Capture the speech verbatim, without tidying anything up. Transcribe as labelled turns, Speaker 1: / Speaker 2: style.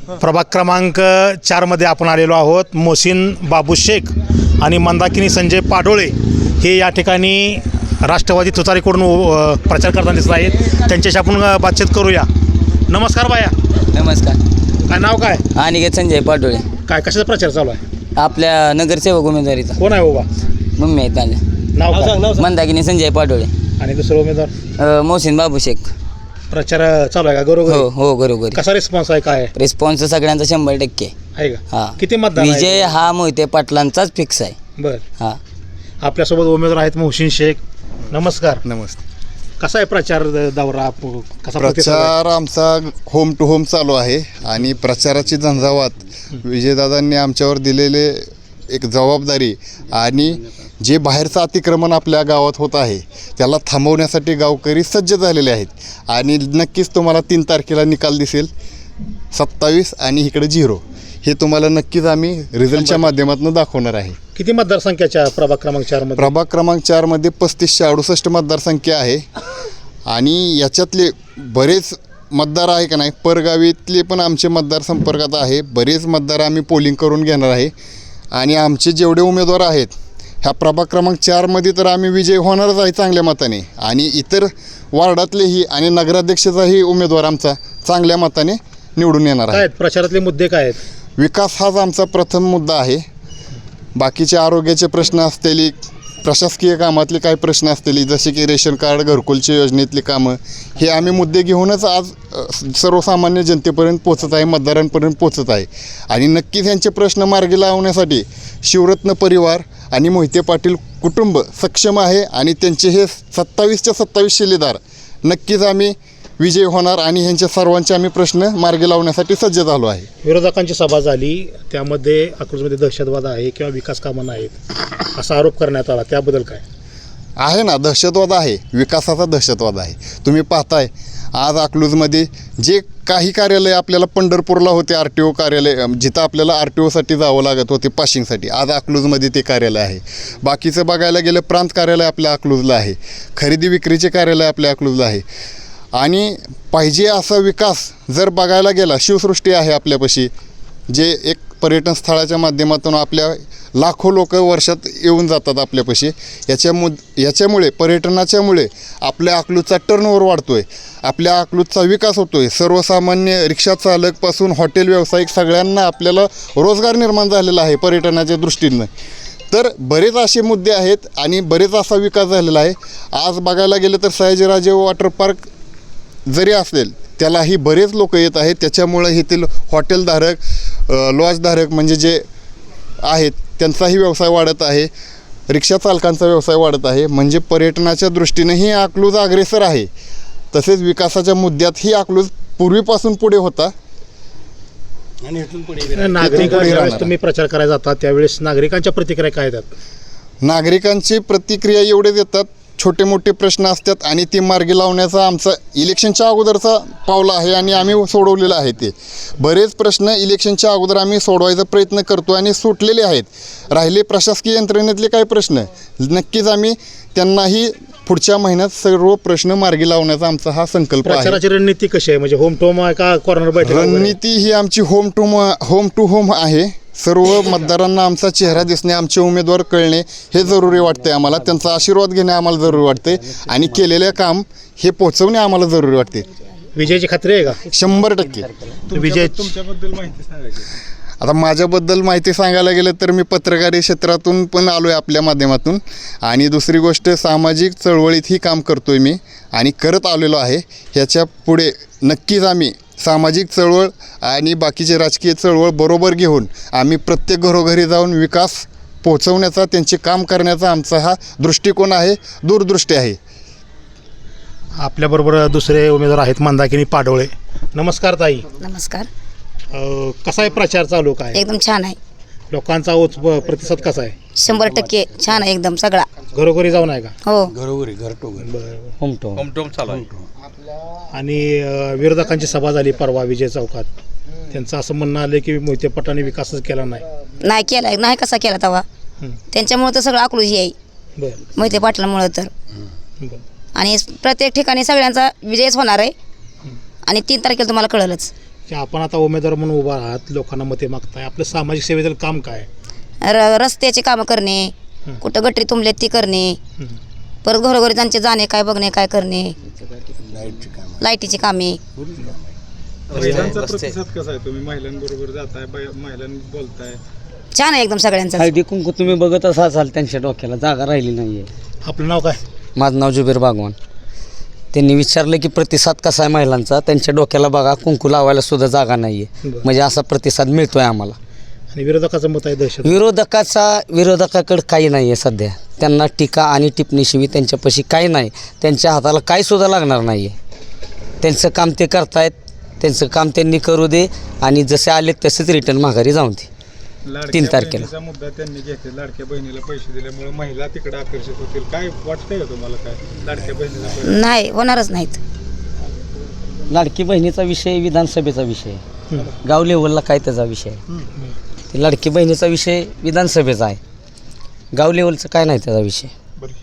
Speaker 1: प्रभाग क्रमांक चारमध्ये आपण आलेलो आहोत. मोहसिन बाबू शेख आणि मंदाकिनी संजय पाडोळे हे या ठिकाणी राष्ट्रवादी तुतारीकडून अ, प्रचार करताना दिसत आहेत. त्यांच्याशी आपण अ, बातचीत करूया. नमस्कार बाया.
Speaker 2: नमस्कार.
Speaker 1: काय नाव काय?
Speaker 2: अनिकेत संजय पाटोळे.
Speaker 1: काय कशाचा प्रचार चालू आहे?
Speaker 2: आपल्या नगरसेवक उमेदवारीचा.
Speaker 1: कोण आहे बाबा?
Speaker 2: मम्मी आहेत त्यांना.
Speaker 1: नाव काय?
Speaker 2: मंदाकिनी संजय पाटोळे.
Speaker 1: आणि दुसरा उमेदवार?
Speaker 2: अ, मोहसिन बाबू शेख.
Speaker 1: प्रचार चालू आहे का? बरोबर.
Speaker 2: हो हो बरोबर.
Speaker 1: कसा रिस्पॉन्स आहे? काय आहे?
Speaker 2: रिस्पॉन्स सगळ्यांचा शंभर टक्के
Speaker 1: आहे का?
Speaker 2: हा.
Speaker 1: किती मतदान आहे?
Speaker 2: विजय हा मोहिते पाटलांचाच फिक्स आहे.
Speaker 1: बर.
Speaker 2: हा.
Speaker 1: आपल्यासोबत उमेदवार आहेत मोहसिन शेख. नमस्कार.
Speaker 3: नमस्ते.
Speaker 1: कसा आहे प्रचार दौरा? कसा प्रतिसाद आहे?
Speaker 3: प्रचार आमचा होम टू होम चालू आहे आणि प्रचाराची झंझावात विजयदादांनी आमच्यावर दिलेले एक जबाबदारी आणि जे बाहेरचं अतिक्रमण आपल्या गावात होत आहे त्याला थांबवण्यासाठी गावकरी सज्ज झालेले आहेत आणि नक्कीच तुम्हाला तीन तारखेला निकाल दिसेल सत्तावीस आणि इकडे झिरो. हे तुम्हाला नक्कीच आम्ही रिझल्टच्या माध्यमातून दाखवणार आहे.
Speaker 1: किती मतदारसंख्याच्या प्रभाग क्रमांक चार मध्ये?
Speaker 3: प्रभाग क्रमांक चारमध्ये पस्तीसशे अडुसष्ट मतदारसंख्या आहे आणि याच्यातले बरेच मतदार आहे का नाही परगावीतले पण आमचे मतदार संपर्कात आहे. बरेच मतदार आम्ही पोलिंग करून घेणार आहे आणि आमचे जेवढे उमेदवार आहेत ह्या प्रभाग क्रमांक चारमध्ये तर आम्ही विजय होणारच आहे चांगल्या मताने आणि इतर वार्डातलेही आणि नगराध्यक्षाचाही उमेदवार आमचा चांगल्या मताने निवडून येणार
Speaker 1: काय
Speaker 3: आहे.
Speaker 1: आहेत प्रचारातले मुद्दे काय आहेत?
Speaker 3: विकास हाच आमचा प्रथम मुद्दा आहे. बाकीचे आरोग्याचे प्रश्न असलेली प्रशासकीय कामातले काही प्रश्न असलेली जसे की रेशन कार्ड घरकुलच्या योजनेतली कामं हे आम्ही मुद्दे घेऊनच आज अ, सर्वसामान्य जनतेपर्यंत पोचत आहे मतदारांपर्यंत पोचत आहे आणि नक्कीच यांचे प्रश्न मार्गी लावण्यासाठी शिवरत्न परिवार आणि मोहिते पाटील कुटुंब सक्षम आहे आणि त्यांचे हे सत्तावीसच्या सत्तावीस शिलेदार नक्कीच आम्ही विजय होणार आणि ह्यांच्या सर्वांचे आम्ही प्रश्न मार्गी लावण्यासाठी सज्ज झालो आहे.
Speaker 1: विरोधकांची सभा झाली त्यामध्ये अकलूजमध्ये दहशतवाद आहे किंवा विकास कामं नाहीत असा आरोप करण्यात आला. त्याबद्दल काय
Speaker 3: आहे? ना दहशतवाद आहे, विकासाचा दहशतवाद आहे. तुम्ही पाहताय आज अकलूजमध्ये जे काही कार्यालय आपल्याला पंढरपूरला होते आर टी ओ कार्यालय जिथं आपल्याला आर टी ओसाठी जावं लागत होते पाशिंगसाठी आज अकलूजमध्ये ते कार्यालय आहे. बाकीचं बघायला गेलं प्रांत कार्यालय आपल्या अकलूजला आहे, खरेदी विक्रीचे कार्यालय आपल्या अकलूजला आहे आणि पाहिजे असा विकास जर बघायला गेला शिवसृष्टी आहे आपल्यापाशी जे एक पर्यटन स्थळाच्या माध्यमातून आपल्या लाखो लोक वर्षात येऊन जातात आपल्यापाशी. याच्यामु याच्यामुळे पर्यटनाच्यामुळे आपल्या अकलूजचा टर्नओव्हर वाढतो आहे, आपल्या अकलूजचा विकास होतो आहे. सर्वसामान्य रिक्षा चालकपासून हॉटेल व्यावसायिक सगळ्यांना आपल्याला रोजगार निर्माण झालेला आहे पर्यटनाच्या दृष्टीनं. तर बरेच असे मुद्दे आहेत आणि बरेच असा विकास झालेला आहे. आज बघायला गेलं तर सयाजीराजे वॉटर पार्क जरी असेल त्यालाही बरेच लोक येत आहेत. त्याच्यामुळं येथील हॉटेलधारक लॉजधारक म्हणजे जे आहेत त्यांचाही व्यवसाय वाढत आहे, रिक्षा चालकांचा व्यवसाय वाढत आहे. म्हणजे पर्यटनाच्या दृष्टीनेही अकलूज अग्रेसर आहे. तसेच विकासाच्या मुद्द्यातही अकलूज पूर्वीपासून पुढे होता
Speaker 1: आणि इथून पुढे नागरिक ज्यावेळेस तुम्ही प्रचार करायला जाता त्यावेळेस नागरिकांच्या प्रतिक्रिया काय येतात?
Speaker 3: नागरिकांची प्रतिक्रिया एवढेच येतात, छोटे मोठे प्रश्न असतात आणि ते मार्गी लावण्याचा आमचा इलेक्शनच्या अगोदरचा पावला आहे आणि आम्ही सोडवलेलं आहे. ते बरेच प्रश्न इलेक्शनच्या अगोदर आम्ही सोडवायचा प्रयत्न करतो आणि सुटलेले आहेत. राहिले प्रशासकीय यंत्रणेतले काही प्रश्न नक्कीच आम्ही त्यांनाही पुढच्या महिन्यात सर्व प्रश्न मार्गी लावण्याचा आमचा हा संकल्प आहे.
Speaker 1: प्रचाराची रणनीती कशी आहे? म्हणजे होम टू होम आहे का कॉर्नर बैठक?
Speaker 3: रणनीती ही आमची home to home to home आहे. सर्व मतदारांना आमचा चेहरा दिसणे आमचे उमेदवार कळणे हे जरुरी वाटते आम्हाला. त्यांचा आशीर्वाद घेणे आम्हाला जरुरी वाटते आणि केलेले काम हे पोहोचवणे आम्हाला जरुरी वाटते.
Speaker 1: विजयाची खात्री आहे का?
Speaker 3: शंभर टक्के.
Speaker 1: विजय
Speaker 4: तुमच्याबद्दल माहिती सांगायची.
Speaker 3: आता माझ्याबद्दल माहिती सांगायला गेलं तर मी पत्रकारी क्षेत्रातून पण आलो आहे आपल्या माध्यमातून आणि दुसरी गोष्ट सामाजिक चळवळीतही काम करतो आहे मी आणि करत आलेलो आहे. ह्याच्या पुढे नक्कीच आम्ही सामाजिक चळवळ आणि बाकीचे राजकीय चळवळ बरोबर घेऊन आम्ही प्रत्येक घरोघरी जाऊन विकास पोहोचवण्याचा त्यांचे काम करण्याचा आमचा हा दृष्टिकोन आहे, दूरदृष्टी आहे.
Speaker 1: आपल्याबरोबर दुसरे उमेदवार आहेत मंदाकिनी पाडोळे. नमस्कार ताई.
Speaker 5: नमस्कार.
Speaker 1: अ, कसा आहे प्रचार चालू? काय
Speaker 5: एकदम छान आहे.
Speaker 1: लोकांचा ओच प्रतिसाद कसा आहे?
Speaker 5: शंभर टक्के छान आहे एकदम सगळा.
Speaker 1: घरोघरी जाऊन आहे का?
Speaker 5: हो.
Speaker 2: घरोघरी घर टू घर.
Speaker 1: बरं.
Speaker 2: Home to
Speaker 4: home to home चालू आहे.
Speaker 1: आणि अ, विरोधकांची सभा झाली परवा विजय चौकात. त्यांचं असं म्हणणं आलं की मोहिते पाटलांनी विकासच केला नाही.
Speaker 5: नाही केला नाही कसा केला तेव्हा
Speaker 1: हं.
Speaker 5: त्यांच्यामुळे तर सगळं अकलूज आहे
Speaker 1: बरं
Speaker 5: मोहिते पाटलामुळं तर.
Speaker 1: की आपण आता उमेदवार म्हणून उभा आहात, लोकांना मते मागताय, आपलं सामाजिक सेवेतील काम काय?
Speaker 5: र रस्त्याची कामं करणे, कुठं गटरी तुंबलेत ती करणे, परत घरोघरी त्यांचे जाणे काय बघणे काय करणे, लाईटीची कामे.
Speaker 4: महिलांचा प्रतिसाद कसा आहे? तुम्ही महिलांबरोबर जाताय, बाय- महिलांनी बोलताय,
Speaker 5: छान आहे एकदम सगळ्यांचं.
Speaker 6: हळदी कुंकू तुम्ही बघत असाल त्यांच्या डोक्याला जागा राहिली नाही आहे.
Speaker 1: आपलं नाव काय?
Speaker 6: माझं नाव जुबेर बागवान. त्यांनी विचारलं की प्रतिसाद कसा आहे महिलांचा, त्यांच्या डोक्याला बघा कुंकू लावायला सुद्धा जागा नाही आहे.
Speaker 1: बरं.
Speaker 6: म्हणजे असा प्रतिसाद मिळतो आहे आम्हाला.
Speaker 1: आणि विरोधकाचं मत आहे दहशत.
Speaker 6: विरोधकाचा विरोधकाकडे काही नाही आहे सध्या. त्यांना टीका आणि टिप्पणीशिवाय त्यांच्यापाशी काही नाही. त्यांच्या हाताला काही सुद्धा लागणार नाही आहे. त्यांचं काम ते करतायत, त्यांचं काम त्यांनी करू दे आणि जसे आले तसेच रिटर्न माघारी जाऊन दे.
Speaker 4: लाडक्या
Speaker 6: तीन तारखेला.
Speaker 4: बहिणीचा मुद्दा त्यांनी घेतला, लाडक्या बहिणीला पैसे दिल्यामुळे महिला तिकडे आकर्षित होतील, काय वाटतंय का तुम्हाला? काय लाडक्या बहिणीला पैसे-
Speaker 5: नाही होणारच नाहीत.
Speaker 6: लाडकी बहिणीचा विषय विधानसभेचा विषय आहे. गाव लेवलला काय त्याचा विषय आहे. ते लाडकी बहिणीचा विषय विधानसभेचा आहे. गाव लेवलचं काय नाही त्याचा विषय.